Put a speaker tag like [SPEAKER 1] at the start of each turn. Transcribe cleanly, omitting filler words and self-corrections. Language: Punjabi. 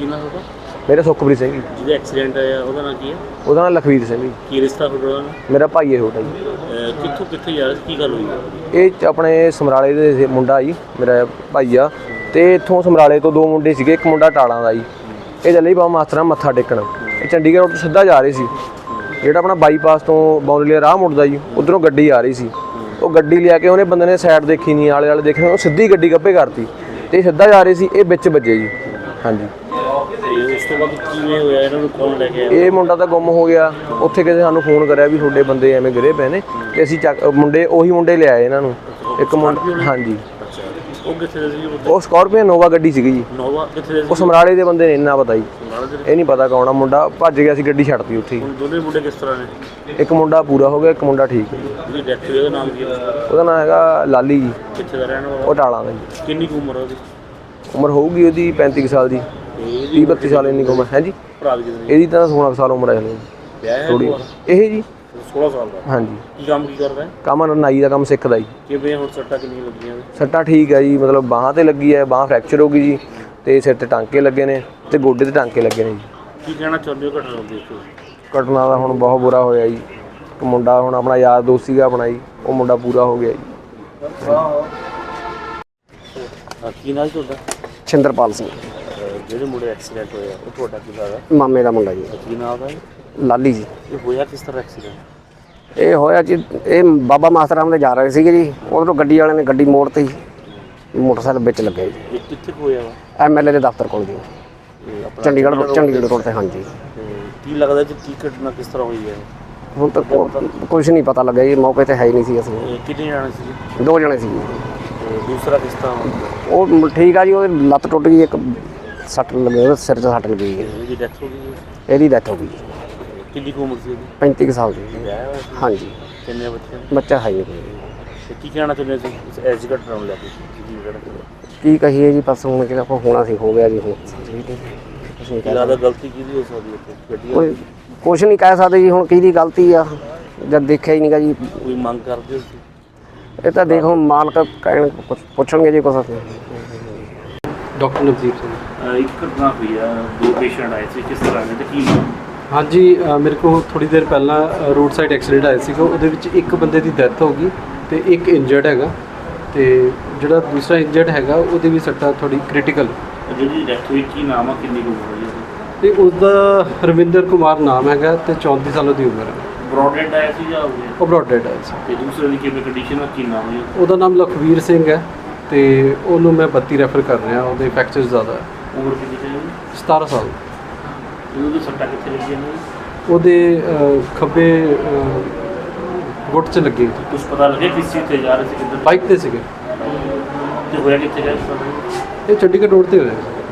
[SPEAKER 1] ਕੀ ਨਾਮ ਉਹਦਾ?
[SPEAKER 2] ਮੇਰਾ ਸੁਖਪ੍ਰੀਤ ਸਿੰਘ ਜੀ।
[SPEAKER 1] ਜਿਹਦਾ ਐਕਸੀਡੈਂਟ ਆਇਆ ਉਹਦਾ ਨਾਂ ਕੀ ਹੈ?
[SPEAKER 2] ਉਹਦਾ ਨਾਮ ਲਖਵੀਰ ਸਿੰਘ ਜੀ।
[SPEAKER 1] ਕੀ ਰਿਸ਼ਤਾ ਤੁਹਾਡਾ ਉਹਦਾ?
[SPEAKER 2] ਮੇਰਾ ਭਾਈ ਹੈ ਛੋਟਾ ਜੀ।
[SPEAKER 1] ਕਿੱਥੋਂ ਕਿੱਥੇ ਜਾ ਰਿਹਾ ਸੀ, ਕੀ ਗੱਲ ਹੋਈ?
[SPEAKER 2] ਇਹ ਆਪਣੇ ਸਮਰਾਲੇ ਦੇ ਮੁੰਡਾ ਜੀ, ਮੇਰਾ ਭਾਈ ਆ। ਤੇ ਇੱਥੋਂ ਸਮਰਾਲੇ ਤੋਂ ਦੋ ਮੁੰਡੇ ਸੀਗੇ, ਇੱਕ ਮੁੰਡਾ ਟਾਲਾਂ ਦਾ ਜੀ। ਇਹ ਚੱਲੇ ਜੀ ਬਾਬਾ ਮਾਸਟਰ ਨਾਲ ਮੱਥਾ ਟੇਕਣ। ਇਹ ਚੰਡੀਗੜ੍ਹ ਰੋਡ ਤੋਂ ਸਿੱਧਾ ਜਾ ਰਹੇ ਸੀ। ਜਿਹੜਾ ਆਪਣਾ ਬਾਈਪਾਸ ਤੋਂ ਬੌਂਦਲੀ ਰਾਹ ਮੁੜਦਾ ਜੀ, ਉੱਧਰੋਂ ਗੱਡੀ ਆ ਰਹੀ ਸੀ। ਉਹ ਗੱਡੀ ਲਿਆ ਕੇ ਉਹਨੇ ਬੰਦੇ ਨੇ ਸਾਈਡ ਦੇਖੀ ਨਹੀਂ, ਆਲੇ ਦੇਖੇ, ਉਹ ਸਿੱਧੀ ਗੱਡੀ ਗੱਭੇ ਕਰਤੀ ਤੇ ਸਿੱਧਾ ਜਾ ਰਹੇ ਸੀ। ਇਹ ਵਿੱਚ ਵੱਜੇ ਜੀ। ਹਾਂਜੀ।
[SPEAKER 1] ਉਸ ਤੋਂ ਬਾਅਦ ਕਿਵੇਂ ਹੋਇਆ? ਇਹਨਾਂ ਨੂੰ ਕੌਣ ਲੈ ਕੇ ਆਇਆ?
[SPEAKER 2] ਇਹ ਮੁੰਡਾ ਤਾਂ ਗੁੰਮ ਹੋ ਗਿਆ। ਉੱਥੇ ਕਿਸੇ ਸਾਨੂੰ ਫੋਨ ਕਰਿਆ ਵੀ ਤੁਹਾਡੇ ਬੰਦੇ ਐਵੇਂ ਗਿਰੇ ਪਏ ਨੇ, ਤੇ ਅਸੀਂ ਮੁੰਡੇ ਉਹੀ ਮੁੰਡੇ ਲਿਆਏ ਇਹਨਾਂ ਨੂੰ। ਇੱਕ ਮੁੰਡਾ, ਹਾਂਜੀ।
[SPEAKER 1] ਉਹ ਕਿੱਥੇ ਦੇ ਸੀ?
[SPEAKER 2] ਉਹ ਸਕਾਰਪੀਓ ਨੋਵਾ ਗੱਡੀ ਸੀਗੀ ਜੀ।
[SPEAKER 1] ਨੋਵਾ ਕਿੱਥੇ ਦੇ ਸੀ?
[SPEAKER 2] ਉਹ ਸਮਰਾਲੇ ਦੇ ਬੰਦੇ ਨੇ, ਇੰਨਾ ਪਤਾ ਜੀ। ਇਹ ਨਹੀਂ ਪਤਾ ਕੌਣ ਆ। ਮੁੰਡਾ ਭੱਜ ਗਿਆ ਸੀ, ਗੱਡੀ ਛੱਡਤੀ ਉੱਥੇ।
[SPEAKER 1] ਦੋਨੇ ਮੁੰਡੇ ਕਿਸ ਤਰ੍ਹਾਂ ਨੇ?
[SPEAKER 2] ਇੱਕ ਮੁੰਡਾ ਪੂਰਾ ਹੋ ਗਿਆ, ਇੱਕ ਮੁੰਡਾ ਠੀਕ ਹੈ।
[SPEAKER 1] ਜਿਹਦੀ ਡੈਥ ਹੋਈ ਉਹਦਾ ਨਾਮ ਕੀ ਹੈ?
[SPEAKER 2] ਉਹਦਾ ਨਾਮ ਹੈਗਾ ਲਾਲੀ ਜੀ।
[SPEAKER 1] ਕਿੱਥੇ ਦਾ ਰਹਿਣ ਵਾਲਾ?
[SPEAKER 2] ਉਹ ਟਾਲਾਂ ਦਾ ਜੀ।
[SPEAKER 1] ਕਿੰਨੀ ਕੁ ਉਮਰ ਉਹਦੀ?
[SPEAKER 2] ਉਮਰ ਹੋਊਗੀ ਉਹਦੀ 35 ਸਾਲ ਦੀ, 30-32 ਸਾਲ ਇੰਨੀ ਉਮਰ ਹੈ ਜੀ।
[SPEAKER 1] ਭਰਾ ਦੀ ਕਿੰਨੀ?
[SPEAKER 2] ਇਹਦੀ ਤਾਂ 16 ਸਾਲ ਉਮਰ ਹੈ ਥੋੜੀ। ਇਹ ਜੀ
[SPEAKER 1] 16 ਸਾਲ ਦਾ।
[SPEAKER 2] ਹਾਂਜੀ।
[SPEAKER 1] ਕੀ ਕੰਮ ਕੀ ਕਰਦਾ ਹੈ?
[SPEAKER 2] ਕੰਮ ਨਾਈ ਦਾ ਕੰਮ ਸਿੱਖਦਾ ਜੀ।
[SPEAKER 1] ਕਿਵੇਂ ਹੁਣ ਸੱਟਾਂ ਕਿੰਨੀਆਂ ਲੱਗੀਆਂ?
[SPEAKER 2] ਸੱਟਾਂ ਠੀਕ ਹੈ ਜੀ, ਮਤਲਬ ਬਾਹਾਂ ਤੇ ਲੱਗੀ ਹੈ, ਬਾਹਾਂ ਫ੍ਰੈਕਚਰ ਹੋ ਗਈ ਜੀ, ਤੇ ਸਿਰ ਤੇ ਟਾਂਕੇ ਲੱਗੇ ਨੇ, ਤੇ ਗੋਡੇ ਤੇ ਟਾਂਕੇ ਲੱਗੇ ਨੇ ਜੀ।
[SPEAKER 1] ਕੀ ਕਹਿਣਾ ਚਾਹੁੰਦੇ ਹੋ ਘਟਨਾ ਦੇ ਉੱਤੇ?
[SPEAKER 2] ਘਟਨਾ ਦਾ ਹੁਣ ਬਹੁਤ ਬੁਰਾ ਹੋਇਆ ਜੀ। ਇੱਕ ਮੁੰਡਾ ਹੁਣ ਆਪਣਾ ਯਾਰ ਦੋਸਤ ਸੀਗਾ ਆਪਣਾ ਜੀ, ਉਹ ਮੁੰਡਾ ਪੂਰਾ ਹੋ ਗਿਆ ਜੀ।
[SPEAKER 1] ਕੀ ਨਾਮ ਤੁਹਾਡਾ?
[SPEAKER 2] ਛਿੰਦਰਪਾਲ ਸਿੰਘ।
[SPEAKER 1] ਜਿਹੜੇ ਮੁੰਡੇ ਐਕਸੀਡੈਂਟ ਹੋਇਆ ਉਹ ਤੁਹਾਡਾ ਕੀ ਲੱਗਦਾ?
[SPEAKER 2] ਮਾਮੇ ਦਾ ਮੁੰਡਾ ਜੀ।
[SPEAKER 1] ਕੀ ਨਾਮ ਦਾ?
[SPEAKER 2] ਲਾਲੀ ਜੀ।
[SPEAKER 1] ਇਹ ਹੋਇਆ ਕਿਸ ਤਰ੍ਹਾਂ ਐਕਸੀਡੈਂਟ?
[SPEAKER 2] ਇਹ ਹੋਇਆ ਜੀ, ਇਹ ਬਾਬਾ ਮਾਸਟਰ ਰਾਮ ਦੇ ਜਾ ਰਹੇ ਸੀਗੇ ਜੀ। ਉਧਰੋਂ ਗੱਡੀ ਵਾਲਿਆਂ ਨੇ ਗੱਡੀ ਮੋੜਤੀ, ਮੋਟਰਸਾਈਕਲ ਵਿੱਚ ਲੱਗਿਆ ਜੀ।
[SPEAKER 1] ਇਹ ਕਿੱਥੇ ਹੋਇਆ ਵਾ?
[SPEAKER 2] ਐਮਐਲਏ ਦੇ ਦਫ਼ਤਰ ਕੋਲ ਜੀ, ਚੰਡੀਗੜ੍ਹ ਰੋਡ ਤੇ। ਹਾਂਜੀ।
[SPEAKER 1] ਕੀ ਲੱਗਦਾ ਜੀ ਕੀ ਘਟਨਾ ਕਿਸ ਤਰ੍ਹਾਂ ਹੋਈ ਹੈ?
[SPEAKER 2] ਹੁਣ ਤਾਂ ਕੁਝ ਨਹੀਂ ਪਤਾ ਲੱਗਿਆ ਜੀ, ਮੌਕੇ ਤੇ ਹੈ ਹੀ ਨਹੀਂ ਸੀ ਅਸੀਂ।
[SPEAKER 1] ਕਿੰਨੇ ਜਾਣੇ ਸੀ?
[SPEAKER 2] 2 ਜਣੇ ਸੀ।
[SPEAKER 1] ਦੂਸਰਾ ਕਿਸ ਤਰ੍ਹਾਂ?
[SPEAKER 2] ਉਹ ਠੀਕ ਆ ਜੀ, ਉਹਦੀ ਲੱਤ ਟੁੱਟ ਗਈ, ਇੱਕ ਸੱਟ ਲੱਗੀ, ਉਹਦੇ ਸਿਰ 'ਚ ਸੱਟ ਲੱਗੀ।
[SPEAKER 1] ਇਹਦੀ ਡੈਥ ਹੋ ਗਈ?
[SPEAKER 2] ਇਹਦੀ ਡੈਥ ਹੋ ਗਈ।
[SPEAKER 1] ਕਿੰਨੀ ਕੁ ਉਮਰ ਸੀ ਇਹਦੀ?
[SPEAKER 2] 35 ਸਾਲ ਦੀ। ਹਾਂਜੀ।
[SPEAKER 1] ਕਿੰਨੇ ਬੱਚੇ?
[SPEAKER 2] ਬੱਚਾ ਹੈ ਨਹੀਂ ਕੋਈ।
[SPEAKER 1] ਤੇ ਕੀ ਕਹਿਣਾ ਚਾਹੁੰਦੇ ਸੀ ਐਸੀ ਘਟਨਾ ਨੂੰ ਲੈ ਕੇ?
[SPEAKER 2] ਕੀ ਕਹੀਏ ਜੀ, ਬਸ ਹੁਣ ਕਿ ਆਪਾਂ ਹੋਣਾ ਸੀ ਹੋ ਗਿਆ ਜੀ। ਹੁਣ
[SPEAKER 1] ਜ਼ਿਆਦਾ ਗਲਤੀ ਕਿਹਦੀ ਹੋ ਸਕਦੀ ਹੈ?
[SPEAKER 2] ਕੋਈ ਕੁਛ ਨਹੀਂ ਕਹਿ ਸਕਦੇ ਜੀ, ਹੁਣ ਕਿਹਦੀ ਗਲਤੀ ਆ ਜਦ ਦੇਖਿਆ ਹੀ ਨਹੀਂਗਾ ਜੀ।
[SPEAKER 1] ਕੋਈ ਮੰਗ ਕਰਦੇ ਹੋ?
[SPEAKER 2] ਇਹ ਤਾਂ ਦੇਖੋ ਮਾਲਕ ਕਹਿਣ, ਪੁੱਛਣਗੇ ਜੀ ਕੁਛ।
[SPEAKER 3] ਡਾਕਟਰ ਨਵਦੀਪ ਸਿੰਘ।
[SPEAKER 1] ਇੱਕ ਘਟਨਾ ਹੋਈ ਆ, 2 ਪੇਸ਼ੈਂਟ ਆਏ ਸੀ, ਕਿਸ ਤਰ੍ਹਾਂ ਦੇ ਤੇ ਕੀ?
[SPEAKER 3] ਹਾਂਜੀ, ਮੇਰੇ ਕੋਲ ਥੋੜੀ ਦੇਰ ਪਹਿਲਾਂ ਰੋਡ ਸਾਈਡ ਐਕਸੀਡੈਂਟ ਆਇਆ ਸੀਗਾ। ਉਹਦੇ ਵਿੱਚ ਇੱਕ ਬੰਦੇ ਦੀ ਡੈਥ ਹੋ ਗਈ ਤੇ ਇੱਕ ਇੰਜਰਡ ਹੈਗਾ, ਤੇ ਜਿਹੜਾ ਦੂਸਰਾ ਇੰਜਰਡ ਹੈਗਾ ਉਹਦੇ ਵੀ ਸੱਟਾਂ ਥੋੜੀ ਕ੍ਰਿਟੀਕਲ।
[SPEAKER 1] ਜਿਹਦੀ ਡੈਥ ਹੋਈ ਕੀ ਨਾਮ ਆ, ਕਿੰਨੀ ਉਮਰ ਹੋਈ?
[SPEAKER 3] ਤੇ ਉਸਦਾ ਰਵਿੰਦਰ ਕੁਮਾਰ ਨਾਮ ਹੈਗਾ ਤੇ 34 ਸਾਲ ਦੀ ਉਮਰ ਹੈ।
[SPEAKER 1] ਬ੍ਰੌਡਹੈਡ ਆਇਆ ਸੀ ਜਾਂ
[SPEAKER 3] ਉਹ ਬ੍ਰੌਡਹੈਡ ਆਇਆ ਸੀ।
[SPEAKER 1] ਤੇ ਦੂਸਰੇ ਦੀ ਕਿਵੇਂ ਕੰਡੀਸ਼ਨ ਆ, ਕੀ ਨਾਮ ਹੈ?
[SPEAKER 3] ਉਹਦਾ ਨਾਮ ਲਖਵੀਰ ਸਿੰਘ ਹੈ ਤੇ ਉਹਨੂੰ ਮੈਂ 32 ਰੈਫਰ ਕਰ ਰਿਹਾ। ਉਹਦੇ ਫ੍ਰੈਕਚਰ ਜ਼ਿਆਦਾ ਹੈ।
[SPEAKER 1] ਉਮਰ ਕਿੰਨੀ ਹੈ?
[SPEAKER 3] 17 ਸਾਲ।
[SPEAKER 1] ਉਹਦੀ ਸੱਟਾਂ ਕਿੱਥੇ ਲੱਗੀਆਂ ਨੇ?
[SPEAKER 3] ਉਹਦੇ ਖੱਬੇ ਗੁੱਟ 'ਚ ਲੱਗੀ।
[SPEAKER 1] ਕੁਝ ਪਤਾ ਲੱਗਿਆ ਕਿਸ ਚੀਜ਼ ਤੇ ਜਾ ਰਹੇ ਸੀ, ਕਿੱਧਰ?
[SPEAKER 3] ਬਾਈਕ ਤੇ ਸੀਗੇ।
[SPEAKER 1] ਤੇ ਹੋਇਆ ਕਿੱਥੇ ਗਿਆ?
[SPEAKER 3] ਇਹ ਚੰਡੀਗੜ੍ਹ ਰੋਡ ਤੇ ਹੋਇਆ।